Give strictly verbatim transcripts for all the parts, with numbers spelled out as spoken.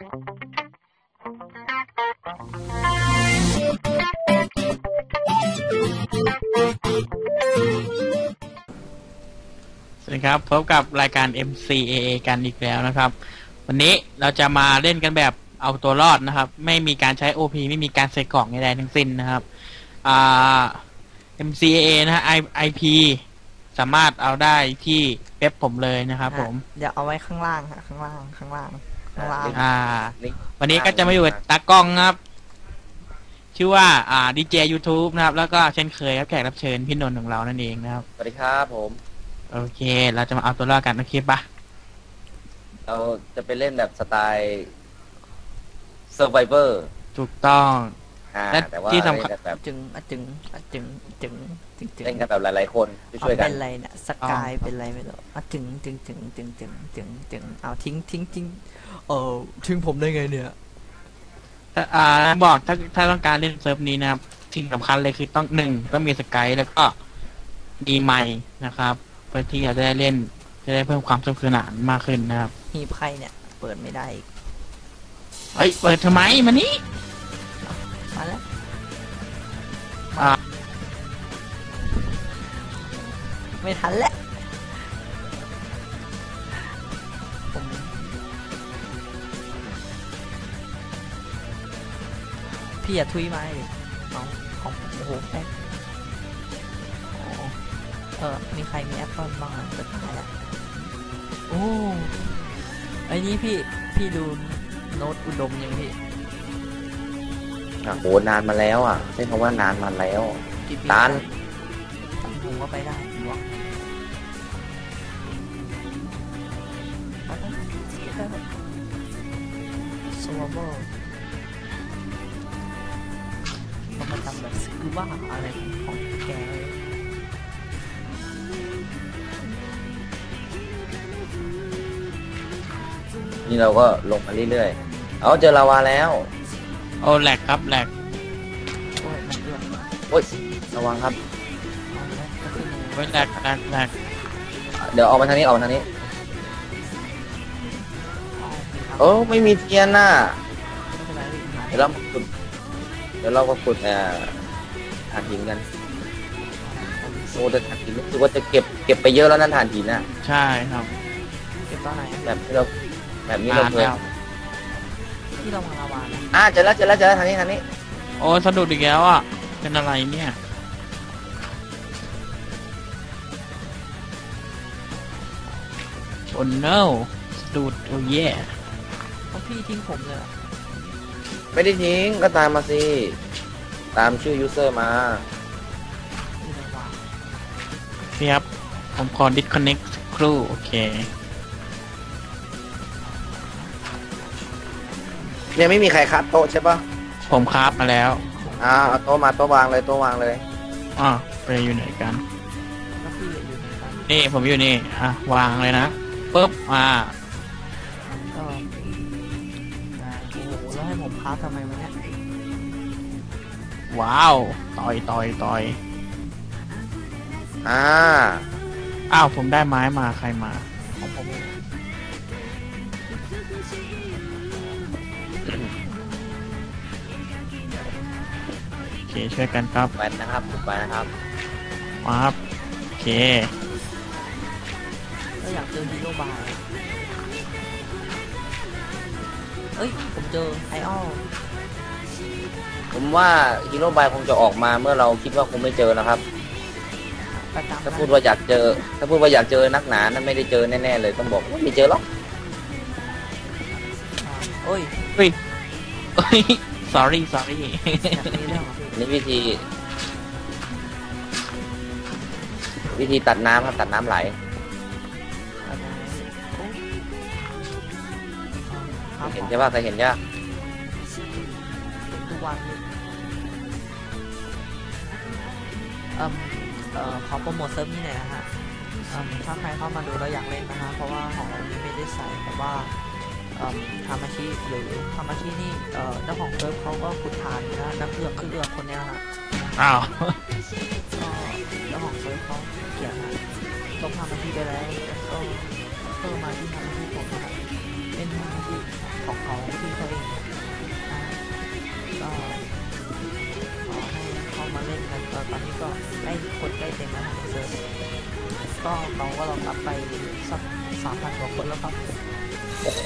สวัสดีครับพบกับรายการ เอ็ม ซี เอ เอ กันอีกแล้วนะครับวันนี้เราจะมาเล่นกันแบบเอาตัวรอดนะครับไม่มีการใช้ โอ พี ไม่มีการใส่กล่องใดๆทั้งสิ้นนะครับอ่า เอ็ม ซี เอ เอ นะฮะ ไอ พี สามารถเอาได้ที่เว็บผมเลยนะครับผมเดี๋ยวเอาไว้ข้างล่างฮะข้างล่างข้างล่างข้างล่างอ่าวันนี้ก็จะมาอยู่กับตากล้องครับชื่อว่าอ่า ดี เจ YouTube นะครับแล้วก็เช่นเคยครับแขกรับเชิญพี่นนท์ของเรานั่นเองนะครับสวัสดีครับผมโอเคเราจะมาเอาตัวรอดกันโอเคปะเราจะไปเล่นแบบสไตล์ Survivor ถูกต้องและแต่ว่าที่สำคัญแบบจึงจึงจึงจึงจึงเล่นกันแบบหลายๆคนช่วยกันเป็นไรเนี่ยสกายเป็นไรไม่รู้จึงจึงจึงจึงจึงจึงจึงเอาทิ้งทิ้งทิ้งเออทิ้งผมได้ไงเนี่ยอ่าบอกถ้าถ้าต้องการเล่นเซิร์ฟนี้นะครับสิ่งสำคัญเลยคือต้องหนึ่งต้องมีสกายแล้วก็มีไมค์นะครับเพื่อที่จะได้เล่นจะได้เพิ่มความสนุกสนานมากขึ้นนะครับฮีบใครเนี่ยเปิดไม่ได้อีกเฮ้ยเปิดทำไมมานี่มาแล้วอ่าไม่ทันแล้วผมพี่อย่าทุยมาเลยเอาของโอ้โหแป๊กเออมีใครมีแอปเปิลบ้างจะตายแล้วโอ้ไอ้นี่พี่พี่ดูโน้ตอุดมยังพี่อ่ะโหนานมาแล้วอ่ะใช้คำว่านานมาแล้วตานตันผมก็ไปได้วะสวอเบอร์มันมาทำแบบสกูบ้าอะไรของแกนี่เราก็ลงมาเรื่อยๆเอาเจอลาวาแล้วโอ้แหลกครับแหลกโอ้ยมันเดือดโอ้ยระวังครับโอ้ยแหลกแหลกแหลกเดี๋ยวออกมาทางนี้ออกมาทางนี้โอ้ไม่มีเทียนน่ะเดี๋ยวเราขุดเดี๋ยวเราก็ขุดอ่าถ่านหินกันโอ้แต่ถ่านหินรู้สึกว่าจะเก็บเก็บไปเยอะแล้วนั่นถ่านหินน่ะใช่ครับเก็บตอนไหนแบบที่เราแบบนี้เราเคยที่เรามาลาวานะอ่าเจอแล้วเจอแล้วเจอแล้วทางนี้ทางนี้โอ้สะดุดอีกแล้วอ่ะเป็นอะไรเนี่ยโอ้ no สะดุดโอ้แย่เพราะพี่ทิ้งผมเลยไม่ได้ทิ้งก็ตามมาสิตามชื่อยูเซอร์มาพี่ครับผมขอ disconnect สักครู่โอเคเนี่ยไม่มีใครคัดโต๊ะใช่ปะผมคราฟมาแล้วอ่าเอาโต๊ะมาโต๊ะวางเลยโต๊ะวางเลยอ่าไปอยู่ไหนกันนี่ผมอยู่นี่อ่ะวางเลยนะปุ๊บอ่าโอ้โหแล้วให้ผมคราฟทำไมวะเนี่ยว้าวต่อยต่อยต่อยอ่าอ้าวผมได้ไม้มาใครมาของผมโอเคช่วยกันครับไปนะครับไปนะครับครับโอเคเราอยากเจอฮีโร่บายเอ้ยผมเจอไอออลผมว่าฮีโร่บายคงจะออกมาเมื่อเราคิดว่าคงไม่เจอนะครับถ้าพูดว่าอยากเจอถ้าพูดว่าอยากเจอนักหนานั้นไม่ได้เจอแน่ๆเลยต้องบอกว่าไม่เจอหรอกโอ้ยเฮ้ย sorry sorry นี่วิธีวิธีตัดน้ำครับตัดน้ำไหลเห็นใช่ป่ะเคยเห็นใช่ป่ะทุกวันเอ่อเอ่อขอโปรโมทเซิร์ฟนี่หน่อยนะฮะถ้าใครเข้ามาดูแล้วอยากเล่นนะฮะเพราะว่าของเรานี้ไม่ได้ใส่แต่ว่าทามาชิหรือทามาชินี่เจ้าของเซิร์ฟเขาก็ขุดฐานนะนักเอือกคือเอือกคนนี้นะฮะอ้าวก็เจ้าของเซิร์ฟเขาเขียนนะลงทามาชิไปแล้วก็เพิ่มมาที่ทามาชิผมนะเป็นทามาชิของเขาที่ตอนนี้ก็ใกล้คนใกล้เต็มแล้วในเซิร์ฟก็เราก็ลองรับไปสักสามพันกว่าคนแล้วครับโอ้โห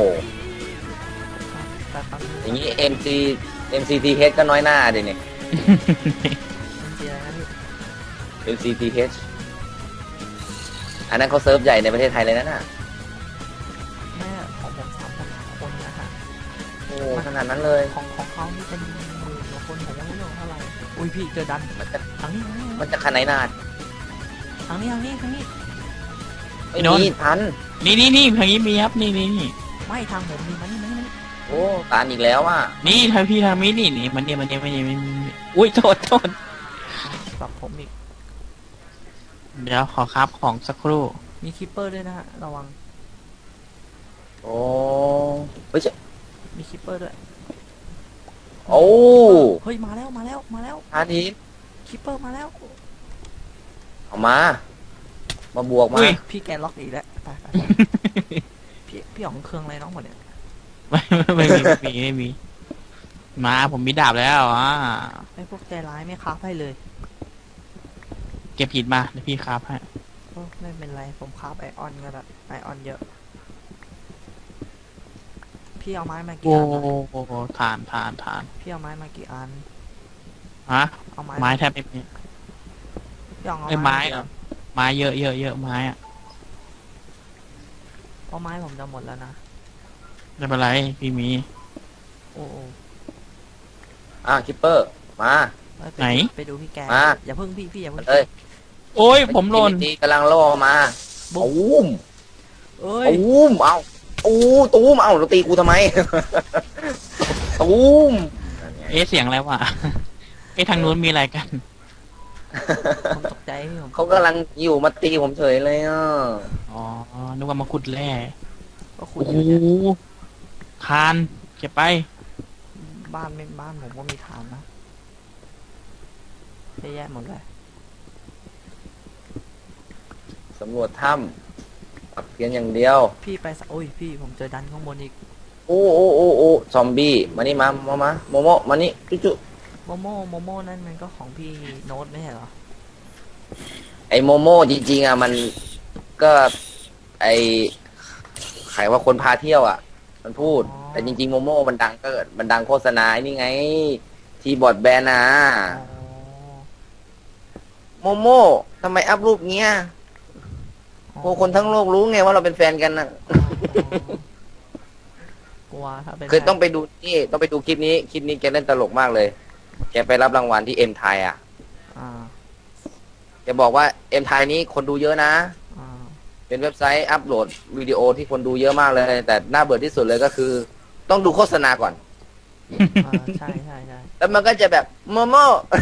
แต่ตอนนี้อย่างนี้ เอ็ม ซี เอ็ม ซี ที เอช ก็น้อยหน้าเดี๋ยวนี้มันเจออะไรนะพี่เอ็ม ซี ที เอช อันนั้นเขาเซิร์ฟใหญ่ในประเทศไทยเลยนะน่ะแม่ของผมสามพันคนนะฮะโอ้ขนาดนั้นเลยของของเขานี่เป็นหมื่นกว่าคนผมไม่รู้เท่าไหร่อุ้ยพี่เจอดันมันจะทางนี้ทางนี้มันจะขนาดนาดทางนี้ทางนี้ทางนี้ไม่มีทันนี่นี่นี่ทางนี้มีครับนี่นี่นี่ไม่ทางผมมีมันนี่มันนี่โอ้ตานอีกแล้วอ่ะนี่ทางพี่ทางนี้นี่นี่มันเนี่ยมันเนี่ยมันเนี่ยมันเนี่ยอุ้ยโทษโทษปรับผมอีกเดี๋ยวขอครับของสักครู่มีคิปเปอร์ด้วยนะฮะระวังโอ้เฮ้ยจะมีคิปเปอร์ด้วยโอ้เฮ้ยมาแล้วมาแล้วมาแล้วทานทีคิปเปอร์มาแล้วเอามา มาบวกมาอุ้ยพี่แกล็อกอีกแล้วไปไปพี่พี่อ๋องเครื่องอะไรน้องหมดเนี่ยไม่ไม่ไม่มีไม่มีไม่มี มาผมมีดาบแล้วอ่าไอ้พวกใจร้ายไม่ค้าให้เลยเก็บหินมาเดี๋ยวพี่ครับให้โอ้ไม่เป็นไรผมค้าไอออนก็ได้ไอออนเยอะ พี่เอาไม้มากี่โอ้อันนะโหทานทานทานพี่เอาไม้มากี่อันฮะเอาไม้ไม้แทบไม่มีพี่อ๋องเอาเอ้ยไม้ไม้เหรอ ไม้เยอะเยอะเยอะไม้อะเพราะไม้ผมจะหมดแล้วนะไม่เป็นไรพี่มีโอ้โอ้อ่ะคิปเปอร์ มาเอ้ยปไหนไปดูพี่แกมาอย่าเพิ่งพี่พี่อย่าเพิ่งเอ้ยโอ้ยผมหล่นนี่กำลังล่อมาบุ๊ตูมเอ้ยตูมเอาตูตูมเอาตีกูทำไม ตูมเอ๊ะเสียงอะไรวะ เอ๊ะทางนู้นมีอะไรกันผมตกใจพี่ผมเขากำลังอยู่มาตีผมเฉยเลยอ่ะอ๋อ นึกว่ามาขุดแร่ก็คุยโอ้อโหยู่เนี่ยทานเก็บไปบ้านไม่บ้านผมก็มีฐานนะเยอะแยะหมดเลยสำรวจถ้ำปักเพียนอย่างเดียวพี่ไปสะโอ้ยพี่ผมเจอดันข้างบนอีกโอ้โอ้โอ้โอ้ซอมบี้ มานี่มา มา มา โมโมมานี่จุ๊จุโมโมโมโมนั่นมันก็ของพี่โน้ตไม่ใช่เหรอไอโมโมจริงๆอ่ะมันก็ ไอใครว่าคนพาเที่ยวอ่ะ มันพูด แต่จริงๆโมโมมันดังก็มันดังโฆษณาไอ้นี่ไง ทีบอร์ดแบนนะอ๋อโมโมทำไมอัพรูปเงี้ยโอ้คนทั้งโลกรู้ไงว่าเราเป็นแฟนกันนะกลัวถ้าเป็นคือต้องไปดูนี่ต้องไปดูคลิปนี้คลิปนี้แกเล่นตลกมากเลย แกไปรับรางวัลที่เอ็มไทยอ่ะอ่าแกบอกว่าเอ็มไทยนี้คนดูเยอะนะอ่าเป็นเว็บไซต์อัพโหลดวิดีโอที่คนดูเยอะมากเลย แต่น่าเบื่อที่สุดเลยก็คือ ต้องดูโฆษณาก่อนอ่าใช่ใช่ใช่แล้วมันก็จะแบบโมโม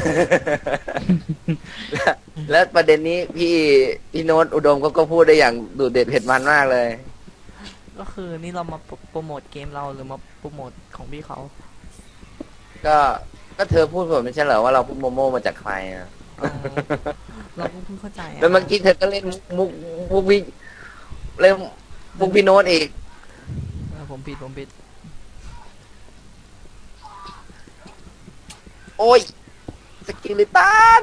และประเด็นนี้พี่พี่โน้ตอุดมก็ก็พูดได้อย่างดูเด็ดเผ็ดมันมากเลยก็คือนี่เรามาโปรโมทเกมเราหรือมาโปรโมทของพี่เขาก็ก็เธอพูดผมไม่ใช่เหรอว่าเราพูดโมโมมาจากใครอ่ะอ๋อเราเพิ่งเข้าใจอะแล้วเมื่อกี้เธอก็เล่นมุกมุกพี่เล่นมุกพี่โน้ตอีกเออผมผิดผมผิดโอ้ยสกิลิตัน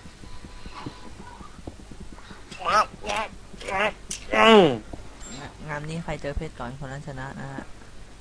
มาอืมงานนี้ใครเจอเพชรก่อนคนนั้นชนะนะฮะ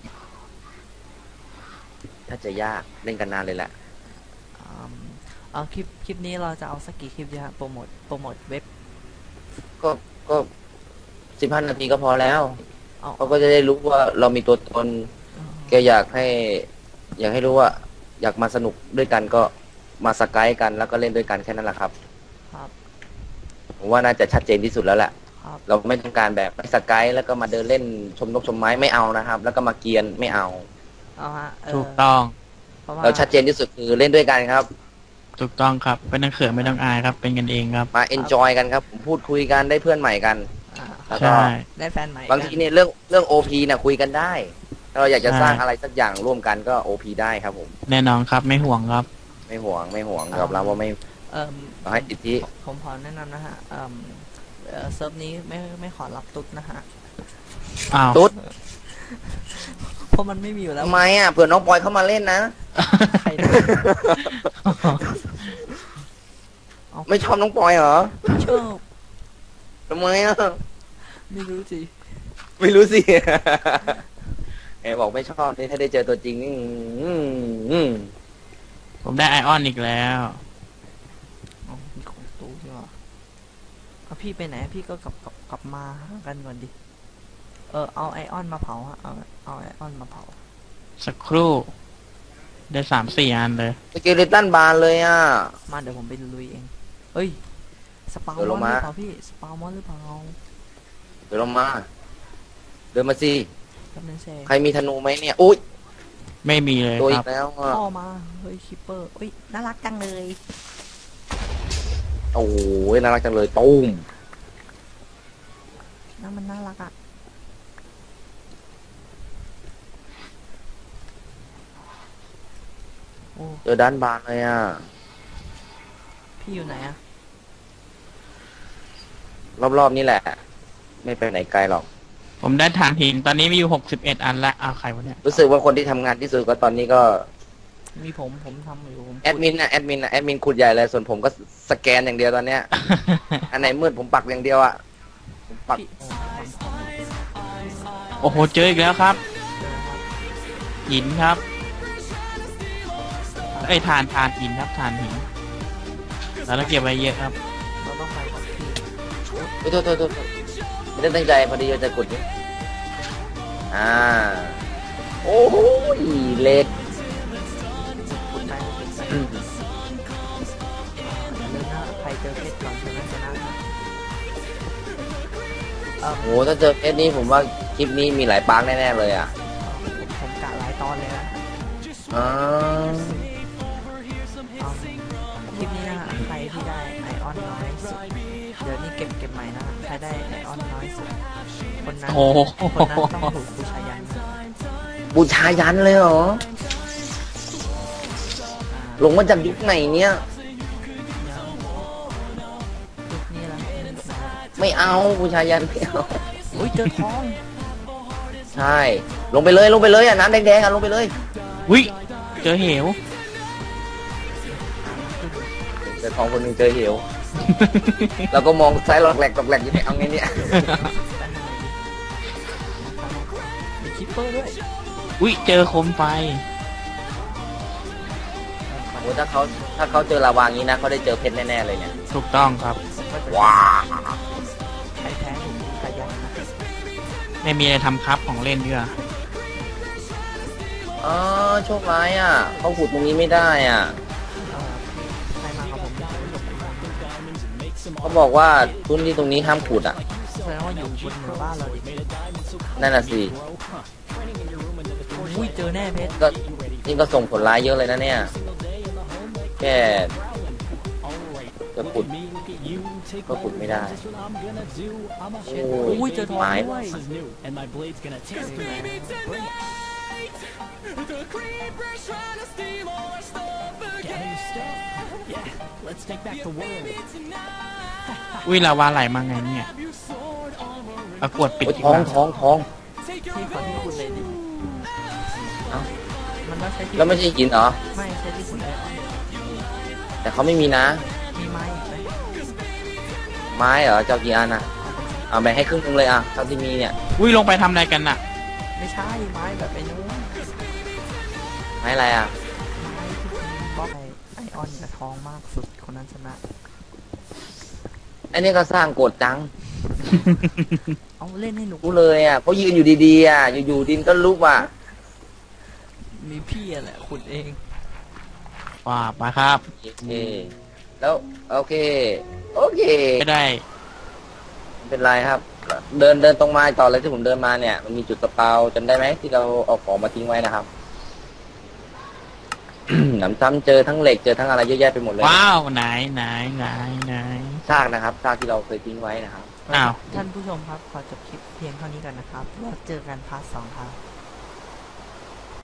ถ้าจะยากเล่นกันนานเลยแหละอืมเอาคลิปคลิปนี้เราจะเอาสักกี่คลิปดีฮะโปรโมทโปรโมทเว็บก็ก็สิบห้านาทีก็พอแล้วเอาเขาก็จะได้รู้ว่าเรามีตัวตนเอาแกอยากให้ อยากให้รู้ว่า อยากมาสนุกด้วยกันก็มาสกายกันแล้วก็เล่นด้วยกันแค่นั้นแหละครับครับผมว่าน่าจะชัดเจนที่สุดแล้วแหละครับเราไม่ต้องการแบบไปสกายแล้วก็มาเดินเล่นชมนกชมไม้ไม่เอานะครับ แล้วก็มาเกียนไม่เอาเอาฮะเอถูอกต้องเพราะว่าเราชัดเจนที่สุดคือเล่นด้วยกันครับถูกต้องครับไม่ต้องเขินไม่ต้องอายครับ เป็นกันเองครับมาเอนจอยกันครับผมพูดคุยกันได้เพื่อนใหม่กันอ่าแล้วก็ใช่ได้แฟนใหม่บางทีเนี่ยเรื่องเรื่องโอพีเนี่ยคุยกันได้ถ้าเราอยากจะใช่สร้างอะไรสักอย่างร่วมกันก็โอพีได้ครับผมแน่นอนครับไม่ห่วงครับไม่ห่วงไม่ห่วงยอมรับว่าไม่เอ่อเราให้สิทธิผมขอแนะนำนะฮะเอ่อเอ่อเซิร์ฟนี้ไม่ไม่ขอรับตุ๊ดนะฮะอ้าวตุ๊ดเพราะมันไม่มีอยู่แล้วทำไมอ่ะเผื่อน้องปอยเข้ามาเล่นนะใครนะไม่ชอบน้องปอยเหรอชอบทำไมอ่ะไม่รู้สิไม่รู้สิไอ้บอกไม่ชอบนี่ถ้าได้เจอตัวจริงนี่อืมอืมผมได้ไอออนอีกแล้วอ๋อมีของตู้ใช่ป่ะเอาพี่ไปไหนพี่ก็กลับกลับกลับมาหากันก่อนดิเออเอาไอออนมาเผาฮะเอาเอาไอออนมาเผาสักครู่ ได้สามสี่อันเลยสเกเลตันบานเลยอ่ะมาเดี๋ยวผมไปลุยเองเฮ้ยสปาวเดี๋ยวมลอนงหมารือเปล่าพี่สปาวมอนหรือเปล่าเดี๋ยวเรามา เดินมาสิแป๊บนึงเซ่ใครมีธนูไหมเนี่ยอุ้ยไม่มีเลยตัวคอีรับกแล้วอ่ะพ่อมาเฮ้ยคิปเปอร์เฮ้ยน่ารักจังเลยโอ้ยน่ารักจังเลยตุ้มน่ามันน่ารักอ่ะโอ้เจอด้านบานเลยอ่ะพี่อยู่ไหนอ่ะรอบๆนี่แหละ ไม่ไปไหนไกลหรอกผมได้ฐานหิน ตอนนี้มีอยู่หกสิบเอ็ดอันละเอาใครวะเนี่ยรู้สึกว่าคนที่ทำงานที่สุดก็ตอนนี้ก็มีผมผมทำอยู่ผมแอดมินนะแอดมินนะแอดมินขุดใหญ่เลยส่วนผมก็สแกนอย่างเดียวตอนเนี้ย อันไหนมืดผมปักอย่างเดียวอ่ะผมปักพี่โอ้ทำของโอ้โห เจออีกแล้วครับเจอนะครับหินครับไอ้ยฐานฐานหินครับฐานหิน แล้วเราเก็บไว้เยอะครับเราต้องไปกับพี่โอ้ยโทษโทษโทษไม่ได้ตั้งใจพอดีจะขุดนี่อ่า โอ้โหเล็กคุณได้คุณได้อืมอย่าลืมนะใครเจอเพชรก่อนชนะชนะนะเออโหถ้าเจอเพชรนี้ผมว่าคลิปนี้มีหลายปาร์กแน่ๆเลยอ่ะผมผมกะหลายตอนเลยนะอ๋อเอาคลิปนี้นะใครที่ได้ไอออนน้อยสุดเดี๋ยวนี้เก็บเก็บใหม่นะใครได้ไอออนน้อยสุดคนนั้นโอ้โหคนนั้นต้องถูกบูชายันนะบูชายันเลยเหรออ่าลงมาจากยุคไหนเนี่ยยุคนี้แล้วนะไม่เอาบูชายันไม่เอาอุ้ยเจอทองใช่ ลงไปเลยลงไปเลยอ่ะน้ำแดงๆอ่ะลงไปเลยวิเจอเหวเจอทองคนหนึ่งเจอเหว แล้วก็มองซ้ายหลอกแหลกหลอกแหลกอยู่เนี่ยเอาไงเนี่ยมีคิปเปอร์ด้วยวิเจอโคมไฟโอ้ถ้าเขาถ้าเขาเจอลาวางี้นะเขาได้เจอเพชรแน่ๆเลยเนี่ยถูกต้องครับว้าใครแพ้ถูกบูชายันนะไม่มีอะไรทำครับของเล่นเยอะอ๋อโชคร้ายอ่ะเขาขุดตรงนี้ไม่ได้อ่ะเออใครมากับผมเนี่ยเขาบอกว่าพื้นที่ตรงนี้ห้ามขุดอ่ะแสดงว่าอยู่บนเหนือบ้านเราดินั่นน่ะสิอุ้ยเจอแน่เพชรก็นี่ก็ส่งผลร้ายเยอะเลยนะเนี่ยแค่จะขุดก็ขุดไม่ได้โอ้อุ้ยเจอทองไม้ด้วยอุ้ยลาวาไหลมาไงเนี่ยเอากวดปิดโอ้ยดีทกองว่าทองทองที่ขอที่คุณเลยดิเอ้ามันต้องใช้ที่แล้วไม่ใช่หินเหรอไม่ใช่ที่คุณไอออนแต่เขาไม่มีนะมีไม้อีกไหมไม้เหรอเจ้ากี่อันอ่ะเอาแบ่งให้ครึ่งนึงเลยอ่ะเท่าที่มีเนี่ยอุ้ยลงไปทำอะไรกันน่ะไม่ใช่ไม้แบบไอ้นู้นไม้อะไรอ่ะไม้ที่คุณบล็อกไอไอออนกับทองมากสุดคนนั้นชนะไอ้นี่ก็สร้างโกรธจังเอาเล่นให้หนูรู้เลยอ่ะเขายืนอยู่ดีๆอ่ะอยู่ๆดินก็ลุกอ่ะมีพี่อะแหละขุดเองว่าไปครับโอเคแล้วโอเคโอเคไม่ได้ไม่เป็นไรครับ เดินเดินตรงมาต่อเลยที่ผมเดินมาเนี่ยมันมีจุดสปาวจำได้ไหมที่เราเอาของมาทิ้งไว้นะครับ หนำซ้ำเจอทั้งเหล็กเจอทั้งอะไรเยอะแยะไปหมดเลยว้าวไหนไหนไหนไหนซากนะครับซากที่เราเคยทิ้งไว้นะครับอ้าวท่านผู้ชมครับขอจบคลิปเพียงเท่านี้ก่อนนะครับแล้วเจอกันพาร์ทสองครับ